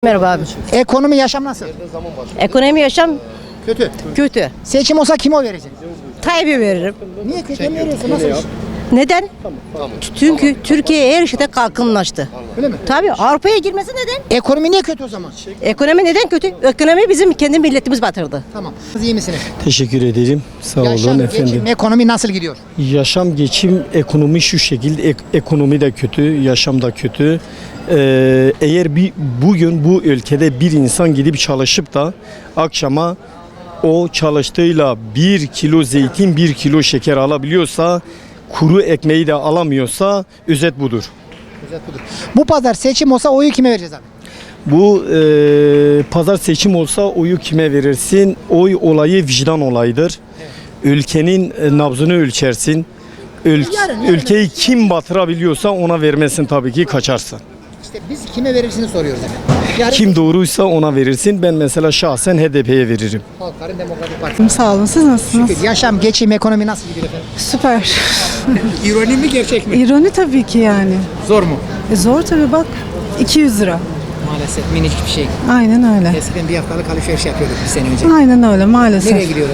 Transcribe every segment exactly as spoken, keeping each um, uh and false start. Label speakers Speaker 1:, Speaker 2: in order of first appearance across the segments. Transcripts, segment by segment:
Speaker 1: Merhaba abi.
Speaker 2: Ekonomi, yaşam nasıl?
Speaker 1: Ekonomi yaşam
Speaker 2: Kötü.
Speaker 1: kötü.
Speaker 2: Seçim olsa kime oy vereceksin?
Speaker 1: Tayyip'e veririm.
Speaker 2: Niye kötü veriyorsun? Nasıl iş?
Speaker 1: Neden? Çünkü Türkiye her şeyde kalkınlaştı.
Speaker 2: Öyle mi?
Speaker 1: Tabii Avrupa'ya girmesi neden?
Speaker 2: Ekonomi niye kötü o zaman?
Speaker 1: Ekonomi neden kötü? Ekonomi bizim kendi milletimiz batırdı.
Speaker 2: Tamam. Siz iyi misiniz?
Speaker 3: Teşekkür ederim. Sağ
Speaker 2: Yaşam,
Speaker 3: olun
Speaker 2: geçim,
Speaker 3: efendim.
Speaker 2: ekonomi nasıl gidiyor?
Speaker 3: Yaşam, geçim, ekonomi şu şekilde. Ek- ekonomi de kötü, yaşam da kötü. Ee, eğer bir bugün bu ülkede bir insan gidip çalışıp da akşama o çalıştığıyla bir kilo zeytin, bir kilo şeker alabiliyorsa, kuru ekmeği de alamıyorsa özet budur.
Speaker 2: Bu pazar seçim olsa oyu kime vereceğiz abi?
Speaker 3: Bu e, pazar seçim olsa oyu kime verirsin? Oy olayı vicdan olayıdır. Ülkenin e, nabzını ölçersin. Ül-
Speaker 2: Yarın, yarın.
Speaker 3: ülkeyi kim batırabiliyorsa ona vermesin, tabii ki kaçarsın.
Speaker 2: İşte biz kime verirsini soruyoruz efendim. Yarın
Speaker 3: Kim doğruysa ona verirsin. Ben mesela şahsen H D P'ye veririm.
Speaker 2: Halkların Demokratik Partisi.
Speaker 4: Sağ olun. Siz nasılsınız?
Speaker 2: Şükür. Yaşam, geçim, ekonomi nasıl gidiyor efendim?
Speaker 4: Süper.
Speaker 2: İroni mi gerçek mi?
Speaker 4: İroni tabii ki yani.
Speaker 2: Zor mu?
Speaker 4: E zor tabii bak. iki yüz lira.
Speaker 2: Maalesef minicik bir şey.
Speaker 4: Aynen öyle.
Speaker 2: Eskiden bir haftalık alışveriş yapıyorduk bir sene önce.
Speaker 4: Aynen öyle maalesef.
Speaker 2: Nereye gidiyoruz?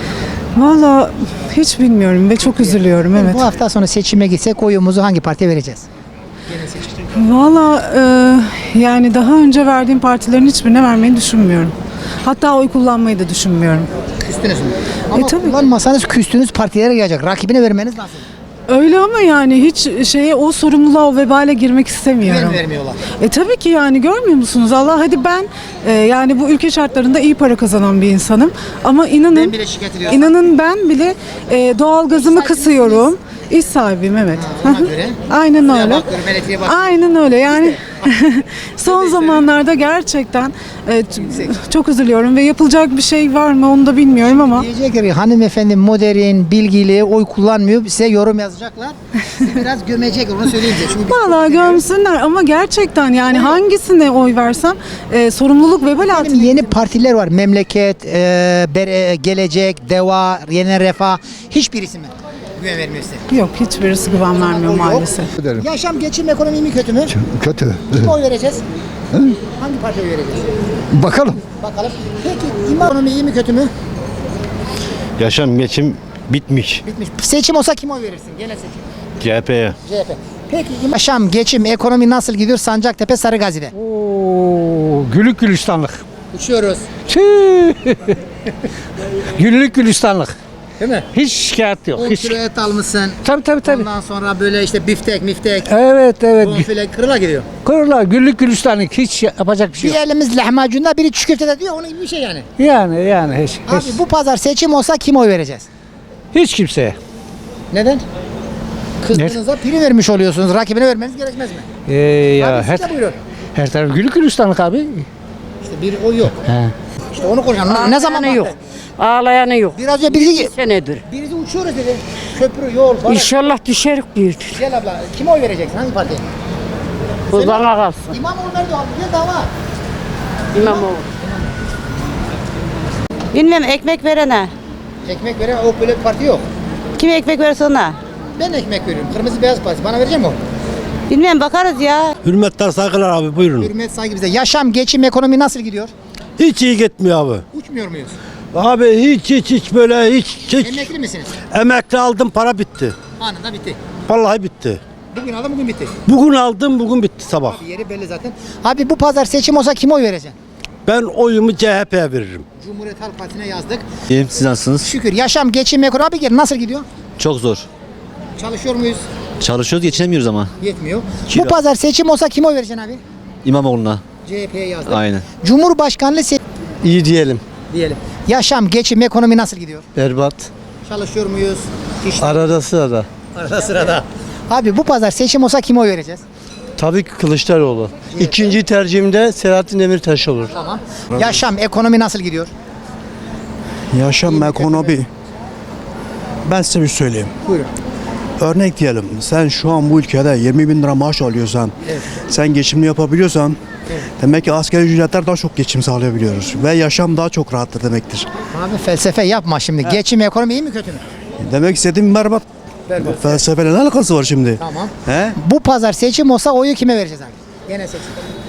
Speaker 4: Valla hiç bilmiyorum ve çok üzülüyorum evet.
Speaker 2: Bu hafta sonu seçime gitsek oyumuzu hangi partiye vereceğiz? Gene seçim.
Speaker 4: Valla e, yani daha önce verdiğim partilerin hiçbirine vermeyi düşünmüyorum. Hatta oy kullanmayı da düşünmüyorum.
Speaker 2: Küstünüz mü? Ama
Speaker 4: tabii.
Speaker 2: kullanmasanız küstüğünüz partilere gelecek. Rakibine vermeniz lazım.
Speaker 4: Öyle ama yani hiç şeye o sorumluluğa o vebale girmek istemiyorum.
Speaker 2: Güven vermiyorlar.
Speaker 4: E tabii ki yani görmüyor musunuz? Allah hadi ben e, yani bu ülke şartlarında iyi para kazanan bir insanım ama inanın
Speaker 2: Ben bile şikayet ediyorsam.
Speaker 4: inanın ben bile e, doğalgazımı kısıyorum. İş sahibiyim evet.
Speaker 2: Ha, ona göre.
Speaker 4: Aynen
Speaker 2: Suya
Speaker 4: öyle.
Speaker 2: bakıyorum, elektriğe bakıyorum.
Speaker 4: Aynen öyle yani. Son zamanlarda gerçekten e, t- çok üzülüyorum ve yapılacak bir şey var mı onu da bilmiyorum ama
Speaker 2: Diyecekler ki hanımefendi modern, bilgili, oy kullanmıyor. Size yorum yazacaklar. Sizi biraz gömecek, onu söyleyeyim size. Çünkü biz
Speaker 4: vallahi
Speaker 2: çok biliyoruz.
Speaker 4: gömsünler ama gerçekten yani hangisine oy versem e, sorumluluk vebal
Speaker 2: Benim
Speaker 4: altına.
Speaker 2: yeni partiler var. Memleket, e, Bere- Gelecek, Deva, Yeni Refah. Hiçbirisi mi? Güven vermiyor size.
Speaker 4: Yok hiçbirisi güven vermiyor
Speaker 2: Oy yok.
Speaker 4: maalesef.
Speaker 2: Yaşam, geçim, ekonomi mi kötü mü?
Speaker 5: Kötü.
Speaker 2: Kime oy vereceğiz? Hangi partiye oy vereceğiz?
Speaker 5: Bakalım.
Speaker 2: Bakalım. Peki imam ekonomi iyi mi kötü mü?
Speaker 6: Yaşam geçim bitmiş
Speaker 2: Bitmiş. Seçim olsa kime oy verirsin? Gene seçim.
Speaker 6: C H P'ye.
Speaker 2: C H P. Peki yaşam, geçim, ekonomi nasıl gidiyor Sancaktepe, Sarıgazi'de?
Speaker 7: Oo, gülük gülistanlık.
Speaker 2: Uçuyoruz.
Speaker 7: Tüh. Güllük gülistanlık.
Speaker 2: Değil mi?
Speaker 7: Hiç şikayet yok.
Speaker 2: on
Speaker 7: Hiç.
Speaker 2: kilo et almışsın.
Speaker 7: Tabii tabii tabii.
Speaker 2: Ondan sonra böyle işte biftek, miftek,
Speaker 7: Evet evet.
Speaker 2: bonfile kırıla gidiyor.
Speaker 7: Kırlar güllük gülistanlık. Hiç yapacak bir şey
Speaker 2: Bir
Speaker 7: yok.
Speaker 2: elimiz lahmacunda, biri çiğ köftede diyor. Onun gibi bir şey yani.
Speaker 7: Yani yani hiç.
Speaker 2: Abi
Speaker 7: Hiç,
Speaker 2: bu pazar seçim olsa kime oy vereceğiz?
Speaker 7: hiç kimseye.
Speaker 2: Neden? Kızdığınızda prim vermiş oluyorsunuz. Rakibine vermeniz gerekmez mi?
Speaker 7: Ee, ya
Speaker 2: Abi
Speaker 7: her,
Speaker 2: siz de buyurun.
Speaker 7: her taraf güllük gülistanlık abi.
Speaker 2: İşte bir oy yok.
Speaker 7: He.
Speaker 2: İşte onu konuşalım. Ne zaman
Speaker 1: yok.
Speaker 2: baktın?
Speaker 1: Ağlayanı yok.
Speaker 2: Biraz önce birisi,
Speaker 1: Senedir.
Speaker 2: birisi uçuyoruz dedi. Köprü, yol, baraj.
Speaker 1: İnşallah düşerik büyüdür.
Speaker 2: Gel abla. Kime oy vereceksin? Hangi partiye?
Speaker 1: Bu bana kalsın.
Speaker 2: İmamoğlu nerede abi? Gel dava.
Speaker 1: İmamoğlu. Bilmem ekmek verene.
Speaker 2: Ekmek veren o böyle bir parti yok.
Speaker 1: Kim ekmek verirse ona.
Speaker 2: Ben ekmek veriyorum. Kırmızı beyaz parti. Bana verecek mi o?
Speaker 1: Bilmem bakarız ya.
Speaker 6: Hürmetler saygılar abi buyurun.
Speaker 2: Hürmet saygı bize. Yaşam, geçim, ekonomi nasıl gidiyor?
Speaker 6: Hiç iyi gitmiyor abi.
Speaker 2: Uçmuyor muyuz?
Speaker 6: Abi hiç hiç hiç böyle hiç hiç.
Speaker 2: Emekli misiniz?
Speaker 6: Emekli aldım para bitti.
Speaker 2: Anında bitti.
Speaker 6: Vallahi bitti.
Speaker 2: Bugün aldım, bugün bitti.
Speaker 6: Bugün aldım bugün bitti sabah.
Speaker 2: Abi yeri belli zaten. Abi bu pazar seçim olsa kime oy vereceksin?
Speaker 6: Ben oyumu C H P'ye veririm.
Speaker 2: Cumhuriyet Halk Partisi'ne yazdık.
Speaker 8: İyiyim, siz nasılsınız?
Speaker 2: Şükür. Yaşam, geçim, ekonomi. Abi gel nasıl gidiyor?
Speaker 8: Çok zor.
Speaker 2: Çalışıyor muyuz?
Speaker 8: Çalışıyoruz, geçinemiyoruz ama.
Speaker 2: Yetmiyor.
Speaker 8: Kira.
Speaker 2: Bu pazar seçim olsa kime oy vereceksin abi?
Speaker 8: İmamoğlu'na.
Speaker 2: C H P'ye yazdık.
Speaker 8: Aynen.
Speaker 2: Cumhurbaşkanlığı se-
Speaker 3: İyi diyelim.
Speaker 2: diyelim. Yaşam, geçim, ekonomi nasıl gidiyor?
Speaker 3: Berbat.
Speaker 2: Çalışıyor muyuz? İş
Speaker 3: Arada sırada.
Speaker 2: arada sırada. Abi bu pazar seçim olsa kime oy vereceğiz?
Speaker 3: Tabii ki Kılıçdaroğlu. İkinci tercihimde Selahattin Demirtaş olur.
Speaker 2: Tamam. Yaşam, ekonomi nasıl gidiyor?
Speaker 5: Yaşam, ekonomi. Ben size bir söyleyeyim.
Speaker 2: Buyurun.
Speaker 5: Örnek diyelim. Sen şu an bu ülkede yirmi bin lira maaş alıyorsan, sen geçimini yapabiliyorsan, demek ki asgari ücretler daha çok geçim sağlayabiliyoruz. Ve yaşam daha çok rahattır demektir.
Speaker 2: Abi felsefe yapma şimdi. Geçim, ekonomi iyi mi kötü mü?
Speaker 5: Demek istediğim berbat.
Speaker 2: Berbat.
Speaker 5: Felsefeyle ne alakası var şimdi?
Speaker 2: Tamam.
Speaker 5: He?
Speaker 2: Bu pazar seçim olsa oyu kime vereceğiz abi? Gene seçim.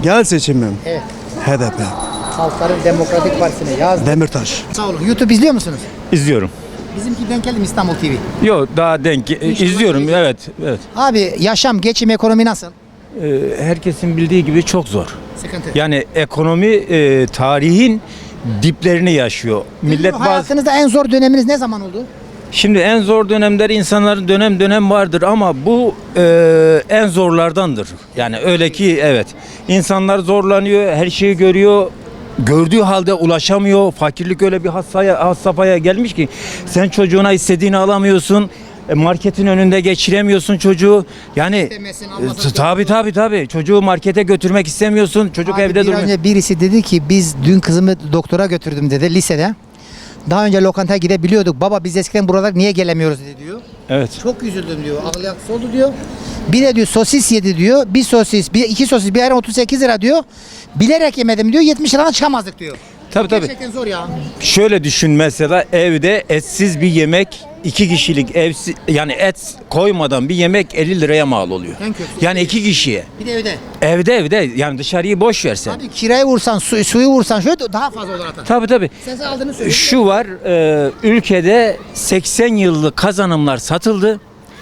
Speaker 5: Genel seçimim.
Speaker 2: Evet.
Speaker 5: H D P.
Speaker 2: Halkların Demokratik Partisi'ne yazdım.
Speaker 5: Demirtaş.
Speaker 2: Sağ olun. YouTube izliyor musunuz?
Speaker 9: İzliyorum.
Speaker 2: Bizimki denk geldi mi İstanbul T V?
Speaker 9: Yok daha denk izliyorum evet evet.
Speaker 2: Abi yaşam, geçim, ekonomi nasıl?
Speaker 9: Ee, herkesin bildiği gibi çok zor.
Speaker 2: Sıkıntı.
Speaker 9: Yani ekonomi e, tarihin diplerini yaşıyor. Millet bazı
Speaker 2: Hayatınızda en zor döneminiz ne zaman oldu?
Speaker 9: şimdi en zor dönemler insanların dönem dönem vardır ama bu e, en zorlardandır. Yani öyle ki evet insanlar zorlanıyor, her şeyi görüyor. Gördüğü halde ulaşamıyor. Fakirlik öyle bir hassaya, has safhaya gelmiş ki sen çocuğuna istediğini alamıyorsun. E, Marketin önünde geçiremiyorsun çocuğu. Yani
Speaker 2: İstemesin, almasın,
Speaker 9: e, tabii tabii tabii. Çocuğu markete götürmek istemiyorsun. Çocuk
Speaker 2: Abi
Speaker 9: evde
Speaker 2: bir
Speaker 9: duruyor.
Speaker 2: önce birisi dedi ki biz dün kızımı doktora götürdüm dedi lisede. Daha önce lokantaya gidebiliyorduk. Baba biz eskiden buralar niye gelemiyoruz dedi diyor.
Speaker 9: Evet.
Speaker 2: Çok üzüldüm diyor. Ağlayaksız oldu diyor. Bir de diyor sosis yedi diyor. Bir sosis, bir iki sosis, bir ayran otuz sekiz lira diyor. Bilerek yemedim diyor. yetmiş liradan çıkamazdık diyor.
Speaker 9: Tabii tabii.
Speaker 2: Gerçekten zor ya.
Speaker 9: Şöyle düşün mesela evde etsiz bir yemek iki kişilik evsiz yani et koymadan bir yemek elli liraya mal oluyor.
Speaker 2: En kötüsü.
Speaker 9: Yani iki kişiye.
Speaker 2: Bir de evde.
Speaker 9: Evde evde yani dışarıyı boş versen.
Speaker 2: Abi kirayı vursan, su, suyu vursan şöyle daha fazla olur hatta.
Speaker 9: Tabii tabii.
Speaker 2: Sen sen aldığını söyle.
Speaker 9: Şu var e, ülkede seksen yıllık kazanımlar satıldı.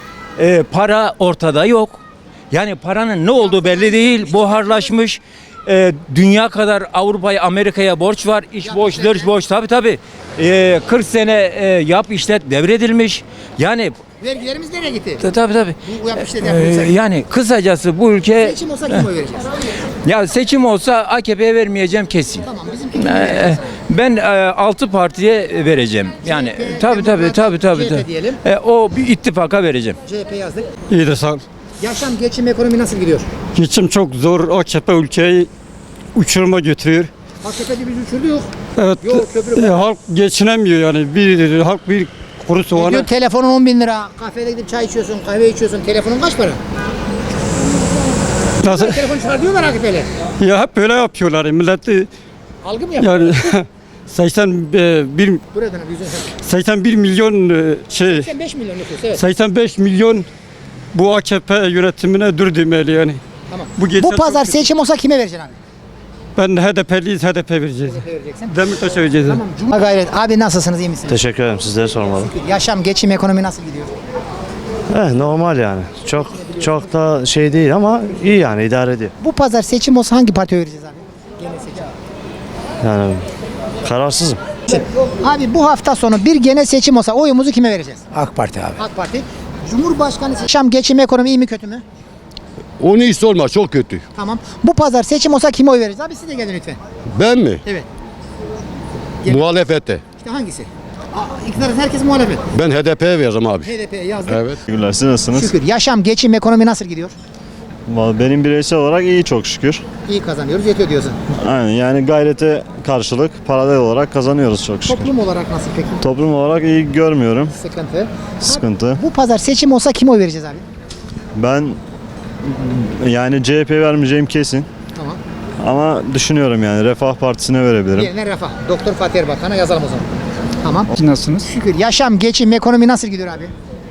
Speaker 9: E, para ortada yok. Yani paranın ne olduğu belli değil. Buharlaşmış. E, dünya kadar Avrupa'ya, Amerika'ya borç var. İş borç, dış borç. Tabii tabii. E, kırk sene e, yap işlet devredilmiş. Yani
Speaker 2: Vergilerimiz nereye gitti?
Speaker 9: tabii tabii.
Speaker 2: Bu yapmış dedi
Speaker 9: E,
Speaker 2: yapmış.
Speaker 9: yani kısacası bu ülke
Speaker 2: Seçim olsa kim oy vereceğiz?
Speaker 9: ya seçim olsa A K P'ye vermeyeceğim kesin.
Speaker 2: Tamam bizimki kim
Speaker 9: Ee,
Speaker 2: vereceğiz?
Speaker 9: Ben e, altı partiye vereceğim. Yani
Speaker 2: C H P,
Speaker 9: tabii tabii
Speaker 2: Demokrat,
Speaker 9: tabii tabii.
Speaker 2: C H P
Speaker 9: tabii.
Speaker 2: diyelim.
Speaker 9: E, o bir ittifaka vereceğim.
Speaker 2: C H P yazdık.
Speaker 3: İyi de sağ ol.
Speaker 2: Yaşam, geçim, ekonomi nasıl gidiyor?
Speaker 3: Geçim çok zor. A K P ülkeyi uçuruma götürüyor.
Speaker 2: A K P'de biz uçurduk.
Speaker 3: Evet.
Speaker 2: Yol, köprü,
Speaker 3: e, halk geçinemiyor yani. Bir halk bir kuru soğanı.
Speaker 2: Diyor telefonun on bin lira. Kafede gidip çay içiyorsun, kahve içiyorsun. Telefonun kaç para?
Speaker 3: Nasıl?
Speaker 2: Telefon çıkar diyorlar A K P'li.
Speaker 3: Ya hep böyle yapıyorlar. Milleti
Speaker 2: Algı mı yapıyor?
Speaker 3: yani seksen bir
Speaker 2: Buradan yüzün
Speaker 3: seksen bir milyon e, şey
Speaker 2: seksen beş milyon nüfus evet.
Speaker 3: seksen beş milyon bu A K P yönetimine dur demeli yani.
Speaker 2: Tamam.
Speaker 3: Bu, geçen
Speaker 2: Bu pazar
Speaker 3: çok-
Speaker 2: seçim olsa kime vereceksin abi?
Speaker 3: Ben H D P'liyiz, H D P vereceğiz.
Speaker 2: Kime vereceksin?
Speaker 3: Demirtaş'a vereceğiz.
Speaker 2: Tamam. Cuma gayret. Abi nasılsınız? İyi misiniz?
Speaker 10: Teşekkür ederim, sizlere sormalı.
Speaker 2: Yaşam, geçim, ekonomi nasıl gidiyor?
Speaker 10: Eh, normal yani. Çok çok da şey değil ama iyi yani idare ediyor.
Speaker 2: Bu pazar seçim olsa hangi partiye vereceğiz abi? Genel seçim.
Speaker 10: Yani kararsızım.
Speaker 2: Abi bu hafta sonu bir genel seçim olsa oyumuzu kime vereceğiz?
Speaker 6: AK Parti abi.
Speaker 2: AK Parti. Cumhurbaşkanı yaşam, geçim, ekonomi iyi mi kötü mü?
Speaker 11: Onu hiç sorma, çok kötü.
Speaker 2: Tamam. Bu pazar seçim olsa kime oy veririz? Abi siz de gelin lütfen.
Speaker 11: Ben mi?
Speaker 2: Evet. Gel.
Speaker 11: Muhalefete.
Speaker 2: İşte hangisi? Aa, iktidarın herkes muhalefet.
Speaker 11: Ben H D P'ye veririm abi.
Speaker 2: H D P'ye yazdık.
Speaker 11: Evet.
Speaker 10: Teşekkürler, siz nasılsınız?
Speaker 2: Şükür. Yaşam, geçim, ekonomi nasıl gidiyor?
Speaker 10: Benim bireysel olarak iyi çok şükür.
Speaker 2: İyi kazanıyoruz, yetiyor diyorsun.
Speaker 10: Aynen yani gayrete karşılık paralel olarak kazanıyoruz çok şükür.
Speaker 2: Toplum olarak nasıl peki?
Speaker 10: Toplum olarak iyi görmüyorum.
Speaker 2: Sıkıntı.
Speaker 10: Sıkıntı.
Speaker 2: Bu pazar seçim olsa kime oy vereceğiz abi?
Speaker 10: Ben yani C H P vermeyeceğim kesin.
Speaker 2: Tamam.
Speaker 10: Ama düşünüyorum yani Refah Partisi'ne verebilirim.
Speaker 2: Yerine Refah. Doktor Fatih Erbakan'a yazalım o zaman. Tamam.
Speaker 7: Nasılsınız?
Speaker 2: Şükür. Yaşam, geçim, ekonomi nasıl gidiyor abi?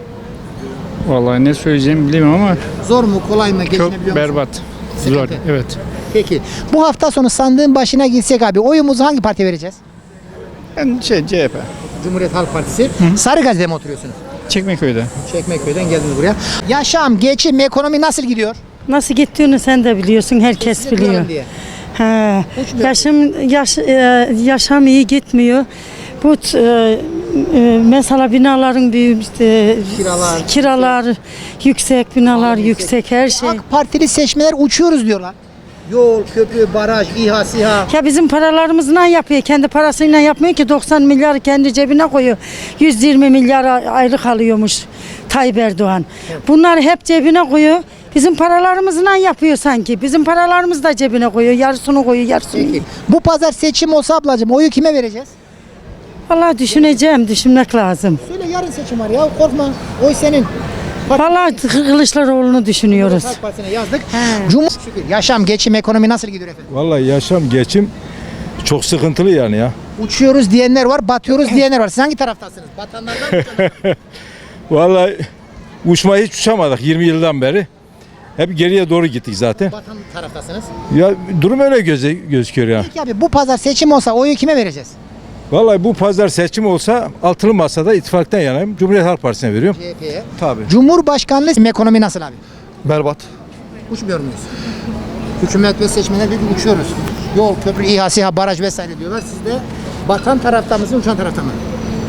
Speaker 7: Vallahi ne söyleyeceğimi bilmiyorum ama
Speaker 2: Zor mu, kolay mı,
Speaker 7: çok
Speaker 2: geçinebiliyor musun?
Speaker 7: berbat. Zor.
Speaker 2: Sıkıntı.
Speaker 7: Evet.
Speaker 2: Peki. Bu hafta sonu sandığın başına gitsek abi oyumuzu hangi partiye vereceğiz?
Speaker 7: Ben şey C H P.
Speaker 2: Cumhuriyet Halk Partisi. Sarıgazi'de mi oturuyorsunuz?
Speaker 7: Çekmeköy'de.
Speaker 2: Çekmeköy'den geldiniz buraya. Yaşam, geçim, ekonomi nasıl gidiyor?
Speaker 1: Nasıl gittiğini sen de biliyorsun, herkes
Speaker 2: Size duyalım
Speaker 1: biliyor.
Speaker 2: diye.
Speaker 1: He.
Speaker 2: Uçmuyor.
Speaker 1: Yaşam yaş, e, yaşam iyi gitmiyor. Bu e, e, mesela binaların büyük işte,
Speaker 2: Kiralar,
Speaker 1: kiralar yüksek, binalar
Speaker 2: Pahalı,
Speaker 1: yüksek, her şey.
Speaker 2: AK Partili seçmenler uçuyoruz diyorlar. Yol, köprü, baraj, İHA, SİHA.
Speaker 1: Ya bizim paralarımızla yapıyor. Kendi parasıyla yapmıyor ki doksan milyar kendi cebine koyuyor. yüz yirmi milyar ayrı alıyormuş Tayyip Erdoğan. Bunlar hep cebine koyuyor. Bizim paralarımızla yapıyor sanki. Bizim paralarımız da cebine koyuyor. Yarısını koyuyor, yarısını.
Speaker 2: Peki. Bu pazar seçim olsa ablacığım oyu kime vereceğiz?
Speaker 1: Vallahi düşüneceğim, düşünmek lazım.
Speaker 2: Söyle yarın seçim var ya korkma. Oy senin.
Speaker 1: Vallahi Kılıçdaroğlu'nu düşünüyoruz.
Speaker 2: Halk Partisi'ne yazdık. Cumhur şükür. Yaşam, geçim, ekonomi nasıl gidiyor efendim?
Speaker 12: Vallahi yaşam, geçim çok sıkıntılı yani ya.
Speaker 2: Uçuyoruz diyenler var, batıyoruz diyenler var. Siz hangi taraftasınız? Batanlardan mı?
Speaker 12: Vallahi uçmayı hiç uçamadık yirmi yıldan beri. Hep geriye doğru gittik zaten.
Speaker 2: Vatan taraftasınız.
Speaker 12: Ya durum öyle göze, gözüküyor ya.
Speaker 2: Peki abi bu pazar seçim olsa oyu kime vereceğiz?
Speaker 12: Vallahi bu pazar seçim olsa altılı masada ittifaktan yanayım. Cumhuriyet Halk Partisi'ne veriyorum.
Speaker 2: C H P'ye.
Speaker 12: Tabii.
Speaker 2: Cumhurbaşkanlığı ekonomi nasıl abi?
Speaker 12: Berbat.
Speaker 2: Uçmuyor muyuz? Hükümet ve seçmenler diyor ki uçuyoruz. Yol, köprü, İHA, SİHA, baraj vesaire diyorlar. Siz de batan tarafta mısın, uçan tarafta mı?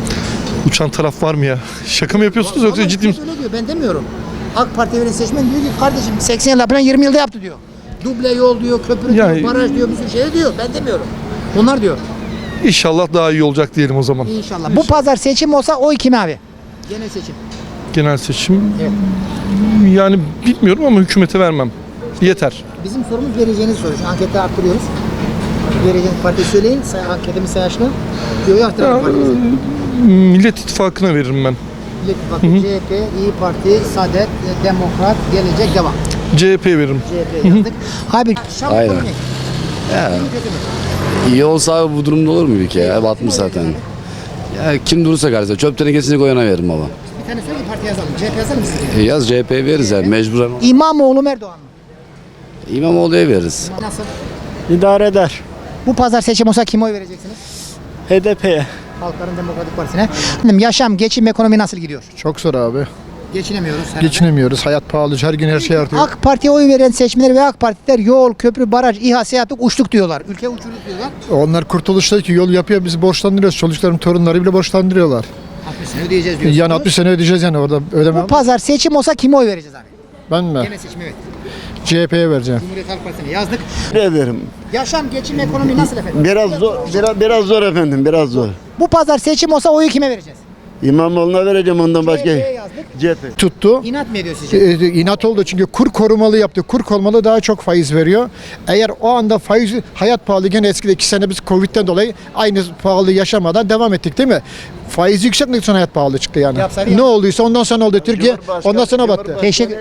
Speaker 12: Uçan taraf var mı ya? Şaka mı yapıyorsunuz yoksa ciddi mi?
Speaker 2: Öyle diyor, ben demiyorum. AK Parti'ye veren seçmen diyor ki kardeşim seksen yılda falan yirmi yılda yaptı diyor. Duble yol diyor, köprü
Speaker 12: Yani-
Speaker 2: diyor, baraj diyor, bir sürü şey diyor. Ben demiyorum. Onlar diyor.
Speaker 12: İnşallah daha iyi olacak diyelim o zaman.
Speaker 2: İnşallah. Bu pazar seçim olsa oy kime abi? Genel seçim.
Speaker 12: Genel seçim.
Speaker 2: Evet.
Speaker 12: Yani bilmiyorum ama hükümete vermem. Yeter.
Speaker 2: Bizim sorumuz vereceğiniz soru. Şu ankette arttırıyoruz. Vereceğiniz partiyi söyleyin. Say, anketimiz sayışını. Diyor arttıralım partimizi.
Speaker 12: Millet İttifakı'na veririm ben.
Speaker 2: Millet İttifakı, C H P, İYİ Parti, Saadet, Demokrat, Gelecek, Devam.
Speaker 12: C H P veririm.
Speaker 2: C H P yazdık. Abi Şam
Speaker 11: Aynen.
Speaker 2: ekonomi.
Speaker 11: Ya,
Speaker 2: İyi mi, kötü mü?
Speaker 11: iyi olsa bu durumda olur mu ülke ya? Batmış zaten. Ya kim durursa karşısında çöp tenekesini koyana veririm baba.
Speaker 2: Bir tane söyle ki parti yazalım. C H P yazalım mı siz?
Speaker 11: E yaz C H P veririz yani mecburen.
Speaker 2: İmamoğlu mu Erdoğan mı?
Speaker 11: İmamoğlu'ya veririz.
Speaker 2: Nasıl?
Speaker 3: İdare eder.
Speaker 2: Bu pazar seçim olsa kime oy vereceksiniz?
Speaker 3: H D P'ye.
Speaker 2: Halkların Demokratik Partisi'ne. Efendim, yaşam, geçim, ekonomi nasıl gidiyor?
Speaker 12: Çok zor abi.
Speaker 2: Geçinemiyoruz herhalde.
Speaker 12: Geçinemiyoruz. Hayat pahalı. Her gün her şey artıyor.
Speaker 2: AK Parti'ye oy veren seçmenler ve AK Partiler yol, köprü, baraj, İHA, SİHA yaptık, uçtuk diyorlar. Ülke uçuruz diyorlar.
Speaker 12: Onlar kurtuluştaki yol yapıyor. Bizi borçlandırıyoruz. Çocuklarım, torunları bile borçlandırıyorlar.
Speaker 2: altmış sene ödeyeceğiz diyorsunuz.
Speaker 12: Yani altmış sene ödeyeceğiz yani orada ödeme.
Speaker 2: Bu pazar seçim olsa kime oy vereceğiz abi?
Speaker 12: Ben mi?
Speaker 2: Gene seçim evet.
Speaker 12: C H P'ye vereceğim.
Speaker 2: Cumhuriyet Halk Partisi'ne yazdık.
Speaker 5: Ederim.
Speaker 2: Yaşam, geçim, ekonomi nasıl efendim?
Speaker 5: Biraz zor, biraz, biraz zor efendim, biraz zor.
Speaker 2: Bu pazar seçim olsa oyu kime vereceğiz?
Speaker 5: İmamoğlu'na vereceğim ondan
Speaker 2: C H P'ye yazdık.
Speaker 5: C H P.
Speaker 12: Tuttu.
Speaker 2: İnat mı ediyor sizce?
Speaker 12: E, inat oldu çünkü kur korumalı yaptı. Kur korumalı daha çok faiz veriyor. Eğer o anda faiz hayat pahalı gene eskide iki sene biz Covid'den dolayı aynı pahalı yaşamadan devam ettik değil mi? Faiz yükseltmek için hayat pahalı çıktı yani.
Speaker 2: Yapsaydı
Speaker 12: Ne
Speaker 2: yap-
Speaker 12: olduysa ondan sonra oldu Türkiye. Ondan sonra battı.
Speaker 2: Teşekkür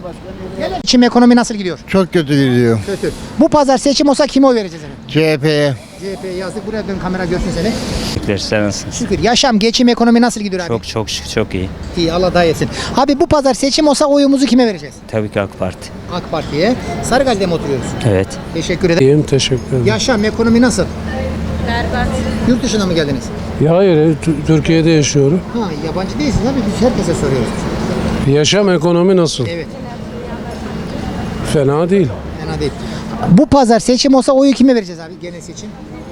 Speaker 2: Geçim, ekonomi nasıl gidiyor?
Speaker 12: Çok kötü gidiyor.
Speaker 2: Kötü. Bu pazar seçim olsa kime oy vereceğiz efendim?
Speaker 12: C H P'ye.
Speaker 2: C H P'ye yazdık. Buraya dön, kamera görsün seni.
Speaker 7: Sen nasılsın?
Speaker 2: Şükür. Yaşam, geçim, ekonomi nasıl gidiyor abi?
Speaker 7: Çok çok şık, çok iyi.
Speaker 2: İyi, Allah daha etsin. Abi bu pazar seçim olsa oyumuzu kime vereceğiz?
Speaker 7: Tabii ki AK Parti.
Speaker 2: AK Parti'ye. Sarıgazi'de mi oturuyoruz?
Speaker 7: Evet.
Speaker 2: Teşekkür ederim.
Speaker 5: İyiyim, teşekkür ederim.
Speaker 2: Yaşam, ekonomi nasıl? Berbat. Yurt dışına mı geldiniz?
Speaker 5: Ya hayır, Türkiye'de yaşıyorum.
Speaker 2: Ha, yabancı değilsiniz abi. Biz herkese soruyoruz.
Speaker 5: Yaşam ekonomi nasıl?
Speaker 2: Evet.
Speaker 5: Fena değil.
Speaker 2: Fena değil. Bu pazar seçim olsa oyu kime vereceğiz abi? Genel seçim.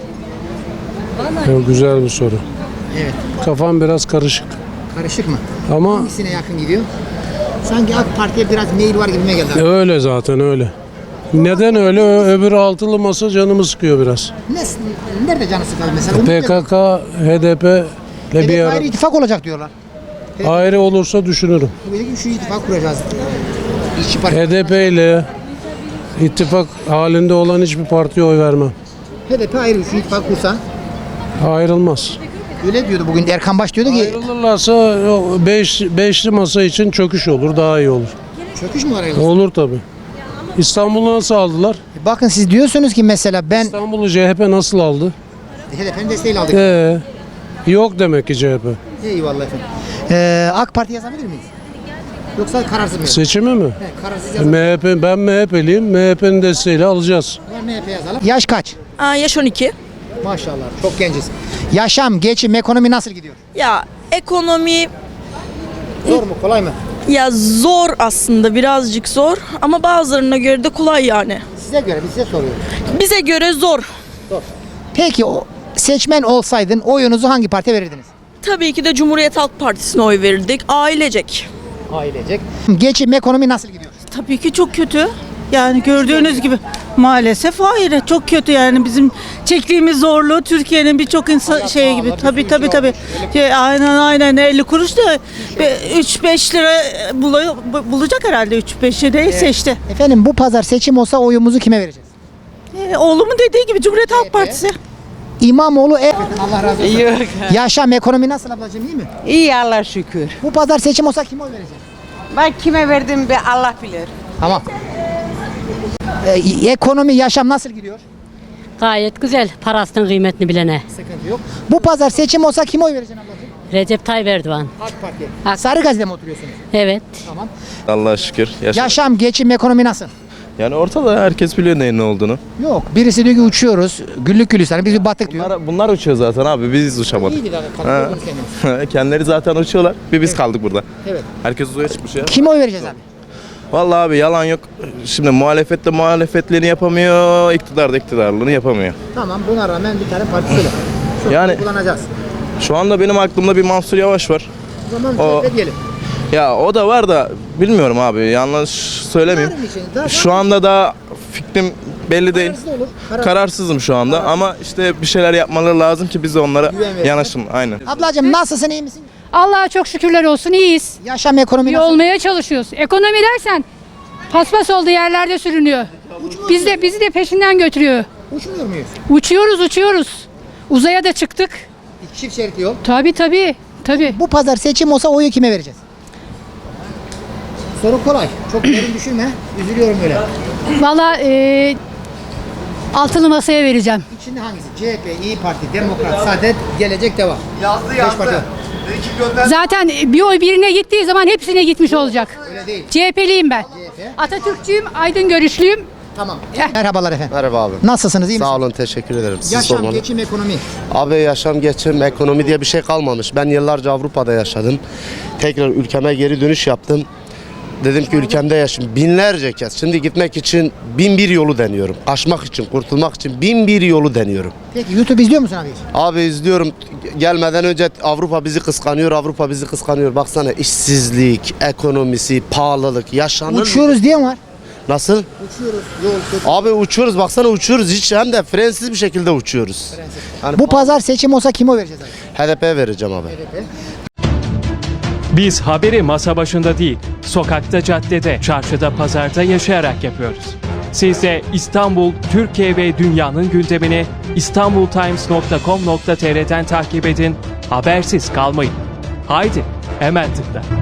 Speaker 5: Ya, güzel bir soru.
Speaker 2: Evet.
Speaker 5: Kafam biraz karışık.
Speaker 2: Karışık mı?
Speaker 5: Ama
Speaker 2: Hangisine yakın gidiyor? Sanki AK Parti'ye biraz meyil var gibime geldi abi.
Speaker 5: öyle zaten öyle. Neden öyle? Ö- Öbürü altılı masa canımı sıkıyor biraz.
Speaker 2: Ne, nerede canı sıkar mesela? Umut
Speaker 5: P K K, H D P ile
Speaker 2: Evet,
Speaker 5: bir ara
Speaker 2: ayrı ittifak olacak diyorlar.
Speaker 5: ayrı olursa düşünürüm.
Speaker 2: Böyle ki şu ittifak kuracağız. İşçi Parti.
Speaker 5: H D P ile ittifak halinde olan hiçbir partiye oy vermem.
Speaker 2: H D P ayrı şu ittifak kursa.
Speaker 5: Ayrılmaz.
Speaker 2: Öyle diyordu bugün Erkan Baş diyordu ki
Speaker 5: Ayrılırlarsa o beş, beşli masa için çöküş olur, daha iyi olur.
Speaker 2: çöküş mü var ayrılırsa?
Speaker 5: Olur tabii. İstanbul'u nasıl aldılar?
Speaker 2: Bakın siz diyorsunuz ki mesela ben
Speaker 5: İstanbul'u C H P nasıl aldı?
Speaker 2: H D P'nin desteğiyle aldık.
Speaker 5: Ee, yok demek ki C H P.
Speaker 2: Eyvallah efendim. Ee, AK Parti yazabilir miyiz? Yoksa kararsız mı?
Speaker 5: Seçimi mi?
Speaker 2: He, kararsız yazalım.
Speaker 5: M H P, ben M H P'liyim. M H P'nin desteğiyle alacağız.
Speaker 2: Var M H P yazalım. Yaş kaç?
Speaker 13: Aa, yaş on iki.
Speaker 2: Maşallah çok genciz. Yaşam, geçim, ekonomi nasıl gidiyor?
Speaker 13: Ya ekonomi
Speaker 2: Zor mu kolay mı?
Speaker 13: ya zor aslında, birazcık zor ama bazılarına göre de kolay yani.
Speaker 2: Size göre biz size soruyoruz.
Speaker 13: Bize göre zor.
Speaker 2: Peki o seçmen olsaydın oyunuzu hangi partiye verirdiniz?
Speaker 13: Tabii ki de Cumhuriyet Halk Partisi'ne oy verirdik. Ailecek.
Speaker 2: Ailecek. Geçim, ekonomi nasıl gidiyor?
Speaker 1: Tabii ki çok kötü. Yani gördüğünüz gibi maalesef hayır çok kötü yani bizim çektiğimiz zorluğu Türkiye'nin birçok insan şey gibi tabii tabii tabii şey, aynen aynen elli kuruş da üç beş lira bulu- bulacak herhalde üç beş lirayı işte.
Speaker 2: Efendim bu pazar seçim olsa oyumuzu kime vereceğiz?
Speaker 1: Ee, oğlumun dediği gibi Cumhuriyet Halk Partisi.
Speaker 2: İmamoğlu e Allah razı olsun. Yaşam, ekonomi nasıl ablacığım iyi mi?
Speaker 1: İyi Allah şükür.
Speaker 2: Bu pazar seçim olsa kime oy vereceğiz?
Speaker 1: Ben kime verdim be Allah bilir.
Speaker 2: Tamam. Ee, ekonomi, yaşam nasıl gidiyor?
Speaker 1: Gayet güzel parasının kıymetini bilene.
Speaker 2: Sıkıntı yok. Bu pazar seçim olsa kime oy vereceksin ablacığım?
Speaker 14: Recep Tayyip Erdoğan.
Speaker 2: AK Parti. Sarıgazi'de mi oturuyorsunuz?
Speaker 14: Evet.
Speaker 2: Tamam.
Speaker 15: Allah'a şükür.
Speaker 2: Yaşam, geçim, ekonomi nasıl?
Speaker 15: Yani ortada herkes biliyor neyin ne olduğunu.
Speaker 2: Yok. Birisi diyor ki uçuyoruz. Güllük gülistanlık. Biz bir battık diyor.
Speaker 15: Bunlar, bunlar uçuyor zaten abi. Biz uçamadık.
Speaker 2: İyiydi zaten. Kanıtladınız kendiniz.
Speaker 15: Kendileri zaten uçuyorlar. Bir biz kaldık burada.
Speaker 2: Evet.
Speaker 15: Herkes uzaya çıkmış ya.
Speaker 2: Kime oy vereceğiz abi?
Speaker 15: Vallahi abi yalan yok. Şimdi muhalefette muhalefetliğini yapamıyor. İktidar da iktidarlığını yapamıyor.
Speaker 2: Tamam. Buna rağmen bir tane parti söyle. Sonra
Speaker 15: Yani-
Speaker 2: kullanacağız.
Speaker 15: Şu anda benim aklımda bir Mansur Yavaş var.
Speaker 2: O zaman
Speaker 15: O-
Speaker 2: C H P diyelim.
Speaker 15: Ya o da var da bilmiyorum abi. Yanlış söylemeyeyim.
Speaker 2: Var mı için? Daha
Speaker 15: Şu anda da fikrim belli değil.
Speaker 2: kararsız olur. Karar-
Speaker 15: Kararsızım şu anda ama işte bir şeyler yapmaları lazım ki biz de onlara
Speaker 2: Güven verelim.
Speaker 15: yanaşın. Aynen.
Speaker 2: Ablacığım nasılsın, iyi misin?
Speaker 14: Allah'a çok şükürler olsun iyiyiz.
Speaker 2: Yaşam, ekonomi
Speaker 14: İyi
Speaker 2: nasıl?
Speaker 14: olmaya çalışıyoruz. Ekonomi dersen paspas olduğu yerlerde sürünüyor. Biz de bizi de peşinden götürüyor.
Speaker 2: Uçmuyor muyuz?
Speaker 14: Uçuyoruz uçuyoruz. Uzaya da çıktık.
Speaker 2: Çift şeritli yol.
Speaker 14: Tabii tabii. Tabii.
Speaker 2: Bu pazar seçim olsa oyu kime vereceğiz? Soru kolay. Çok derin düşünme. Üzülüyorum böyle.
Speaker 14: Valla e, altılı masaya vereceğim.
Speaker 2: İçinde hangisi? C H P, İyi Parti, Demokrat, Saadet, Gelecek, Devam. Yazdı yazdı.
Speaker 14: Zaten bir oy birine gittiği zaman hepsine gitmiş olacak.
Speaker 2: Öyle değil.
Speaker 14: C H P'liyim ben.
Speaker 2: C H P.
Speaker 14: Atatürkçüyüm, aydın görüşlüyüm.
Speaker 2: Tamam. Merhabalar efendim.
Speaker 11: Merhaba abi.
Speaker 2: Nasılsınız, iyi misiniz?
Speaker 11: Sağ olun, teşekkür ederim. Siz
Speaker 2: Yaşam,
Speaker 11: sormalı.
Speaker 2: geçim, ekonomi.
Speaker 11: Abi yaşam, geçim, ekonomi diye bir şey kalmamış. Ben yıllarca Avrupa'da yaşadım. Tekrar ülkeme geri dönüş yaptım. Dedim ki ülkemde yaşım binlerce kez. Şimdi gitmek için bin bir yolu deniyorum. Aşmak için, kurtulmak için bin bir yolu deniyorum.
Speaker 2: Peki YouTube izliyor musun abi?
Speaker 11: Abi izliyorum. Gelmeden önce Avrupa bizi kıskanıyor, Avrupa bizi kıskanıyor. Baksana işsizlik, ekonomisi, pahalılık, yaşanır.
Speaker 2: Uçuyoruz diye mi var?
Speaker 11: Nasıl?
Speaker 2: Uçuyoruz. Yol kötü.
Speaker 11: Abi uçuyoruz, baksana uçuyoruz. Hiç hem de frensiz bir şekilde uçuyoruz. Yani
Speaker 2: Bu pazar seçim olsa kime oy vereceğiz abi?
Speaker 11: H D P'ye vereceğim abi.
Speaker 16: Biz haberi masa başında değil, sokakta, caddede, çarşıda, pazarda yaşayarak yapıyoruz. Siz de İstanbul, Türkiye ve dünyanın gündemini istanbul times nokta com nokta tr'den takip edin, habersiz kalmayın. Haydi, hemen tıkla.